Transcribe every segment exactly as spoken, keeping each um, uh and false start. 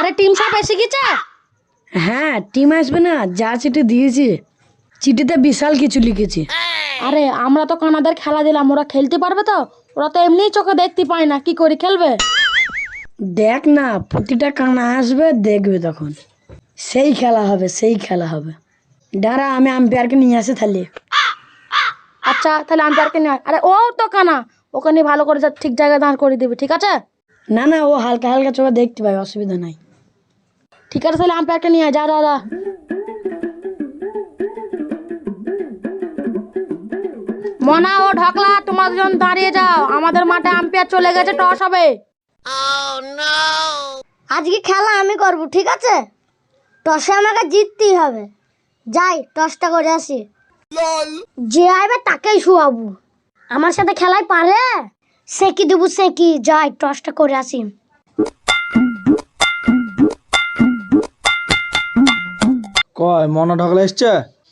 আরে টিম সব এসে গেছে? হ্যাঁ টিম আসবে না, যা চিঠি দিয়েছি চিঠিতে বিশাল কিছু লিখেছে। আরে আমরা তো কানাদের খেলা দিলাম, ওরা খেলতে পারবে তো? ওরা তো এমনিই চোখে দেখতে পায় না, কি করে খেলবে? দেখ না, প্রতিটা কানা আসবে, দেখবে তখন সেই খেলা হবে, সেই খেলা হবে। দাঁড়া আমি আম্পায়ারকে নিয়ে আসে তাহলে। আচ্ছা তাহলে আম্পায়ারকে নিয়ে আয়। আরে ও তো কানা, ওকে নিয়ে ভালো করে যা- ঠিক জায়গায় দাঁড় করে দিবি, ঠিক আছে? না না, ও হালকা হালকা চোখে দেখতে পায়, অসুবিধা নাই। ঠিক আছে তাহলে আম্পায়ারকে নিয়ে আয়, যা যা যা। মনা ও ঢকলা, তোমরা দুজন দাঁড়িয়ে যাও, আমাদের মাঠে আম্পায়ার চলে গেছে, টস হবে। আজকে খেলা আমি করব, ঠিক আছে? টসে আমাকে জিততেই হবে। যাই টসটা করে আসি। যে আইবে তাকেই শুয়াবো। আমার সাথে খেলায় পারে, সে কি দেবো সে কি। যাই টসটা করে আসি। কয় মনা ঢকলা এসছে?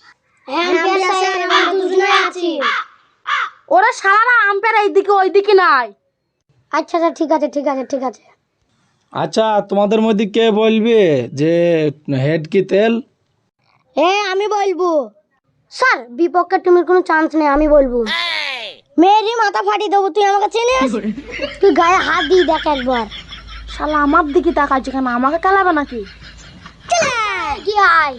ওরা সারা আম্পায়ার এইদিকে ওইদিকে নাই। আচ্ছা আচ্ছা ঠিক আছে ঠিক আছে ঠিক আছে। আচ্ছা তোমাদের মধ্যে কে বলবে যে হেড কি তেল? এ আমি বলবো। স্যার বিপক্ষে টিমের কোনো চান্স নেই, আমি বলবো। মেয়েরই মাথা ফাটিয়ে দেবো। তুই আমাকে চিনিস? তুই গায়ে হাত দিয়ে দেখ একবার। শালা আমার দিকে তাকাচ্ছে কেন? আমাকে খেলাবে নাকি? কি আয়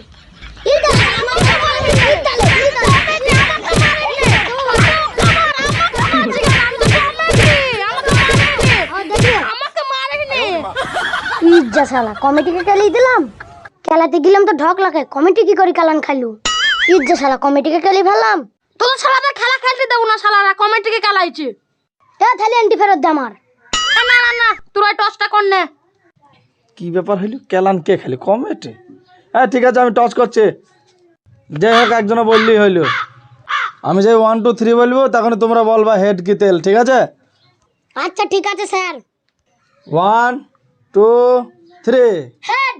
শালা কমিটিকে খেলিয়ে দিলাম। খেলাতে গেলাম তো ঢক লাগে, কমিটি কি করে খেলান খাইলু। ইজ্জা শালা কমিটিকে খেলিয়ে ফেললাম। তোর শালাদের খেলা খেলতে দেবো না, শালারা কমেন্টকে খেলাইছে। এ তাহলে এন্টি ফেরত দে আমার। না না না, তোরা টসটা কর নে। কি ব্যাপার হইল? কেলান কে খেলি কমেটে? হ্যাঁ ঠিক আছে, আমি টস করছি। যাই হোক একজনে বললেই হইল। আমি যাই ওয়ান টু থ্রি বলবো, তখন তোমরা বলবা হেড কি তেল, ঠিক আছে? আচ্ছা ঠিক আছে sir. One two three. Head.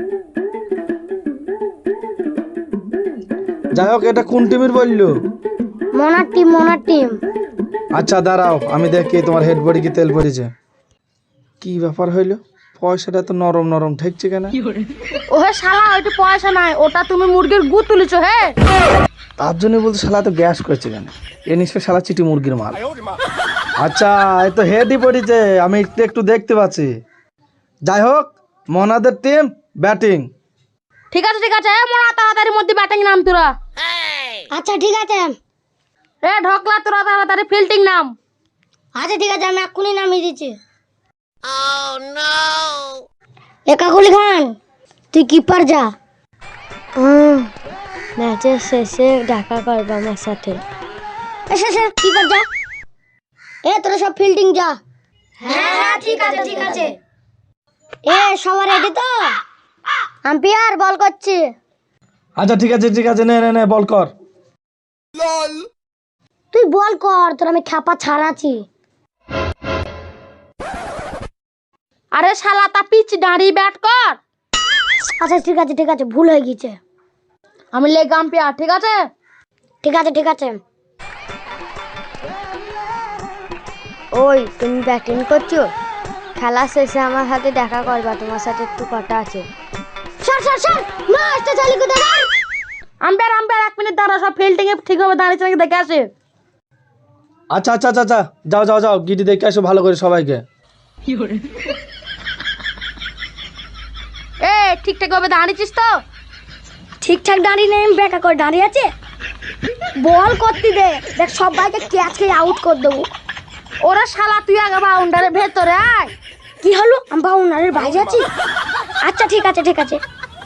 যাই হোক এটা কোন টিমের বললো? মোনার টিম মোনার টিম। আচ্ছা দাঁড়াও আমি দেখি তোমার হেড বডি কি তেল পড়েছে। কি ব্যাপার হইলো? পয়সাটা তো নরম নরম ঠেকছে কেন? ওহে শালা ওইটা পয়সা নাই, ওটা তুমি মুরগির গু তুলেছো। হে তার জন্য বলতে শালা তো গ্যাস করছে কেন? এ নিশ্চয় শালা চিটি মুরগির মাল। আচ্ছা এই তো হেডই পড়েছে, আমি একটু একটু দেখতে পাচ্ছি। যাই হোক মোনাদের টিম ব্যাটিং। ঠিক আছে ঠিক আছে, এ মোনা তাড়াতাড়ির মধ্যে ব্যাটিং নাম তোরা। আচ্ছা ঠিক আছে। এ ঢকলা তোরা তাড়াতাড়ি ফিল্ডিং নাম। আচ্ছা ঠিক আছে, আমি এক্ষুনি নামিয়ে দিচ্ছি। এ কাকুলি খান, তুই কিপার যা। ম্যাচের শেষে দেখা করবো আমার সাথে। শেষে কিপার যা। এ তোরা সব ফিল্ডিং যা। হ্যাঁ হ্যাঁ ঠিক আছে ঠিক আছে। এ সবার রেডি তো? আম্পায়ার বল করছে। আচ্ছা ঠিক আছে ঠিক আছে, নে নে নে বল কর। তুই বল কর, তোর আমি খ্যাপা ছাড়াচ্ছি। আরে শালা তা পিচ দাঁড়িয়ে ব্যাট কর। আচ্ছা ঠিক আছে ঠিক আছে, ভুল হয়ে গেছে। আমি লেগ আম্পায়ার, ঠিক আছে? ঠিক আছে ঠিক আছে। ওই তুমি ব্যাটিং করছো? খেলা শেষে আমার সাথে দেখা করবা, তোমার সাথে একটু কথা আছে। স্যার স্যার স্যার ম্যাচটা চালু করে দাও। আম্পায়ার আম্পায়ার এক মিনিট দাঁড়া, সব ফিল্ডিং এ ঠিকভাবে দাঁড়িয়েছে নাকি দেখে আসে। আচ্ছা আচ্ছা আচ্ছা আচ্ছা যাও যাও যাও, গিটি দেখে আসো ভালো করে সবাইকে। এ ঠিকঠাক ভাবে দাঁড়িয়েছিস তো? ঠিকঠাক দাঁড়িয়ে নেই, বেকা করে দাঁড়িয়ে আছে। বল করতে দে, দেখ সবাইকে ক্যাচ খেয়ে আউট করে দেবো। ওরা শালা তুই আগে বাউন্ডারের ভেতরে আয়। কি হলো, আমি বাউন্ডারির বাইরে আছি। আচ্ছা ঠিক আছে ঠিক আছে।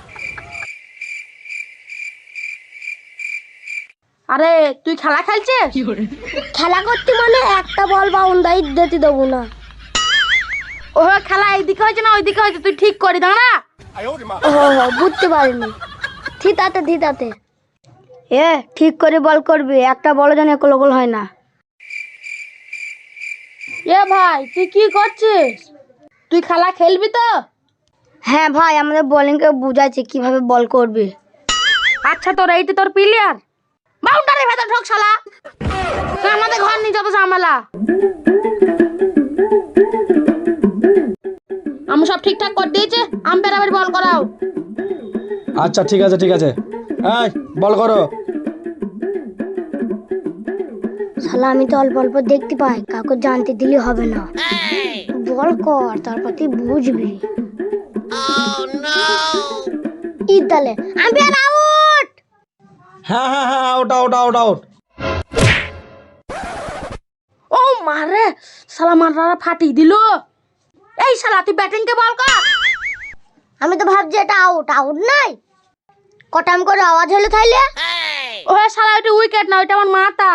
আরে তুই খেলা খেলছিস? খেলা করতে মানে একটা বল বাউন্ডারি দিতে দেবো না। ও খেলা এইদিকে হয়েছে না ওইদিকে হয়েছে, তুই ঠিক করি দাঁড়া। ও বুঝতে পারিনি। থিতাতে থিতাতে। এ ঠিক করে বল করবি, একটা বল যেন একল গোল হয় না। এ ভাই তুই কি করছিস? তুই খেলা খেলবি তো? হ্যাঁ ভাই, আমাদের বোলিংকে বুঝাচ্ছি কিভাবে বল করবে। আচ্ছা তোর এইটি তোর প্লেয়ার, বাউন্ডারির ভেতর ঢোক শালা, তুই আমাদের ঘর নিয়ে যত ঝামেলা। আমি সব ঠিকঠাক করে দিয়েছি, আম্পায়ার আবার বল করাও। আচ্ছা ঠিক আছে ঠিক আছে, এই বল করো। শালা আমি তো অল্প অল্প দেখতে পাই, কাউকে জানতে দিলে হবে না। বল কর, তারপর তুই বুঝবি। ঈদ দালে আম্পায়ার আউট। হ্যাঁ হ্যাঁ হ্যাঁ, আউট আউট আউট আউট। ও মারে, শালা মারারা ফাটিয়ে দিল। এই শালা তুই ব্যাটিং কে বল কর। আমি তো ভাবছি এটা আউট, আউট নাই। কটাম করে আওয়াজ হলো তাইলে। ও শালা ওইটা উইকেট না, ওইটা আমার মাথা।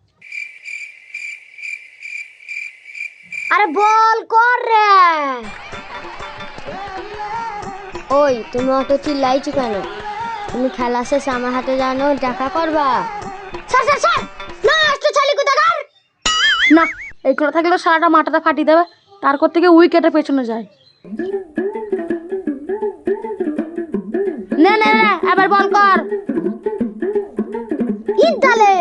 আরে বল কর রে। ওই তুমি অত চিল্লাইছো কেন? তুমি খেলা শেষে আমার হাতে জানো দেখা করবা। স্যার স্যার স্যার, না একটু চালি কোথাকার। না, এইগুলো থাকলে শালাটা মাথাটা ফাটিয়ে দেবে, তারপর থেকে উইকেটের পেছনে যায়। নে নে নে, এবার বল কর। ঈদ দালে।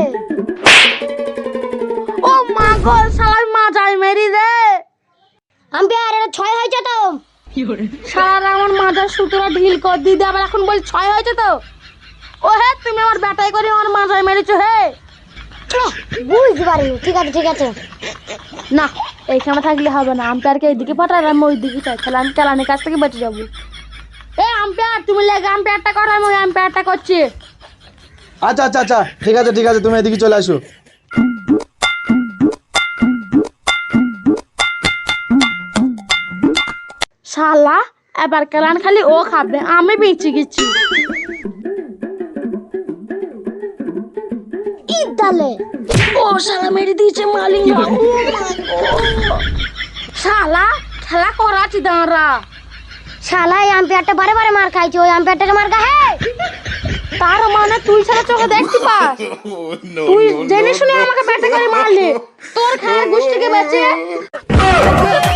ও মা গো, শালার মা যায় মেরি রে। আম্পায়ার এটা ছয় হয়েছে তো। শালার আমার মাথার সুতোটা ঢিল কর দিদি, আবার এখন বল ছয় হয়েছে তো। ও হে, তুমি আমার ব্যাটাই করে আমার মাথায় মেরেছো হে। বুঝতে পারিনি, ঠিক আছে ঠিক আছে। না, এইখানে থাকলে হবে না, আম্পায়ারকে এইদিকে পাঠাই, আমি ওই দিকে চাই, তাহলে আমি কেলানির কাছ থেকে বেঁচে যাবো। এ আম্পায়ার, তুমি লেগে আম্পায়ারটা করো, আমি ওই আম্পায়ারটা করছি। আচ্ছা আচ্ছা আচ্ছা, ঠিক আছে ঠিক আছে, তুমি এদিকে চলে আসো। শালা এবার কেলান খালি ও খাবে, আমি বেঁচে গেছি। ঈদ দালে। ও শালা মেরে দিয়েছে মালিঙ্গা। ও মা গো। শালা খেলা করাচ্ছি দাঁড়া। শালা এই আম্পায়ারটা বারে বারে মার খাইছে, ওই আম্পায়ারটাকে মার খা। হে তার মানে তুই সারা চোখে দেখতে পাস? তুই জেনে শুনে আমাকে ব্যাটে করে মারলি, তোর খায়ের গোষ্ঠীকে বেঁচে।